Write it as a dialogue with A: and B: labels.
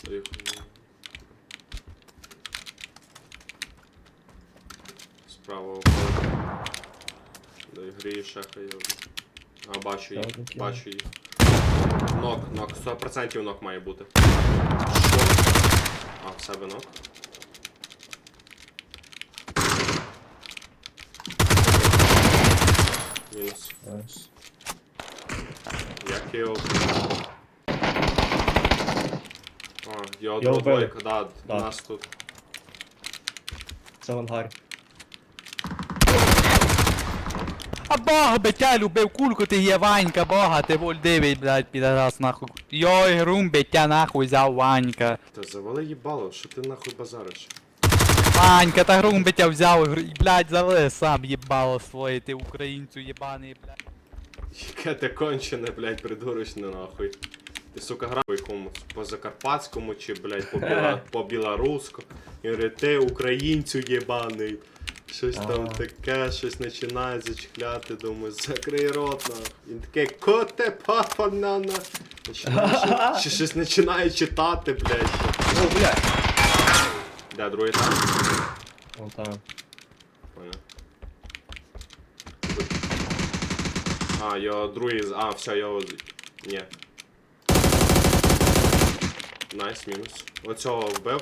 A: Справа входить. До ігри шахає. А, бачу їх, бачу їх. Нок, 100% нок має бути. Що? А, в себе нок. Мінус. Як його... А, його двойка, да, у нас тут.
B: Це в ангарі.
C: А бога би тя любив, кульку ти є Ванька, бога, ти воль дивить, блядь, підарас нахуй. Йой, грум би тя нахуй взяв Ванька.
A: Та завали їбало, що ти нахуй базариш?
C: Ванька, та грум би тя взяв, блядь, завали сам їбало своє, ти українцю єбаний, блядь.
A: Яке ти кончене, блядь, придурочне нахуй. Ти, сука, грав по якомусь по закарпатському чи, блядь, по білоруську. І говорить, ти українцю єбаний. Щось там таке, щось починає зачекляти, думаю, закрий рот нахуй. Він такий, коте папа нана. Щось починає читати, блядь.
B: О, блядь.
A: Де, другий там?
B: Вон там.
A: Понял. А, його другий... А, все, його... Ні. Найс, мінус. Оцього вбив.